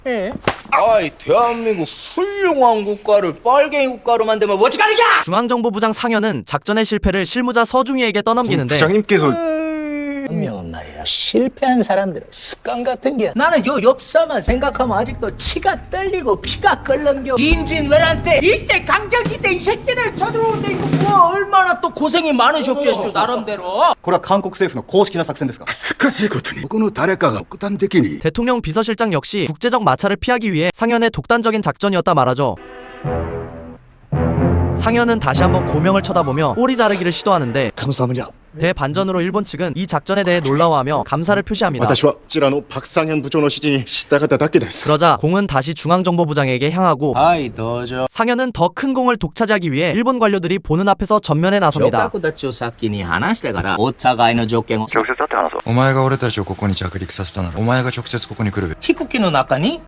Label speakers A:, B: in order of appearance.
A: 예? 아이 대한민국 훌륭한 국가를 빨갱이 국가로 만들면 어찌하느냐!
B: 중앙정보부장 상현은 작전의 실패를 실무자 서중희에게 떠넘기는데
C: 부장님께서
A: 분명은 말이야 실패한 사람들은 습관 같은 게 나는 요 역사만 생각하면 아직도 치가 떨리고 피가 끓는겨. 임진왜란 때 일제강점기 때 이 새끼들 쳐들어오는데 이거 뭐 얼마나 또 고생이 많으셨겠어 나름대로.
D: これは韓国政府の公式な作戦ですか。
C: 恥ずかしいことにこの誰かが極端的に
B: 대통령 비서실장 역시 국제적 마찰을 피하기 위해 상현의 독단적인 작전이었다 말하죠. 상현은 다시 한번 고명을 쳐다보며 꼬리 자르기를 시도하는데
C: 감사합니다.
B: 대반전으로 일본 측은 이 작전에 대해 놀라워하며 감사를 표시합니다.
C: 私はこちらのパクサンヒョン部長の指示に従っただけです。
B: 그러자 공은 다시 중앙정보부장에게 향하고
A: 아이 도저
B: 상현은 더 큰 공을 독차지하기 위해 일본 관료들이 보는 앞에서 전면에 나섭니다.
A: 直角立ちを先に話してからお互いの条件を
E: お前が俺たちをここに着陸させたならお前が直接ここに来るべ。
A: 飛行機の中に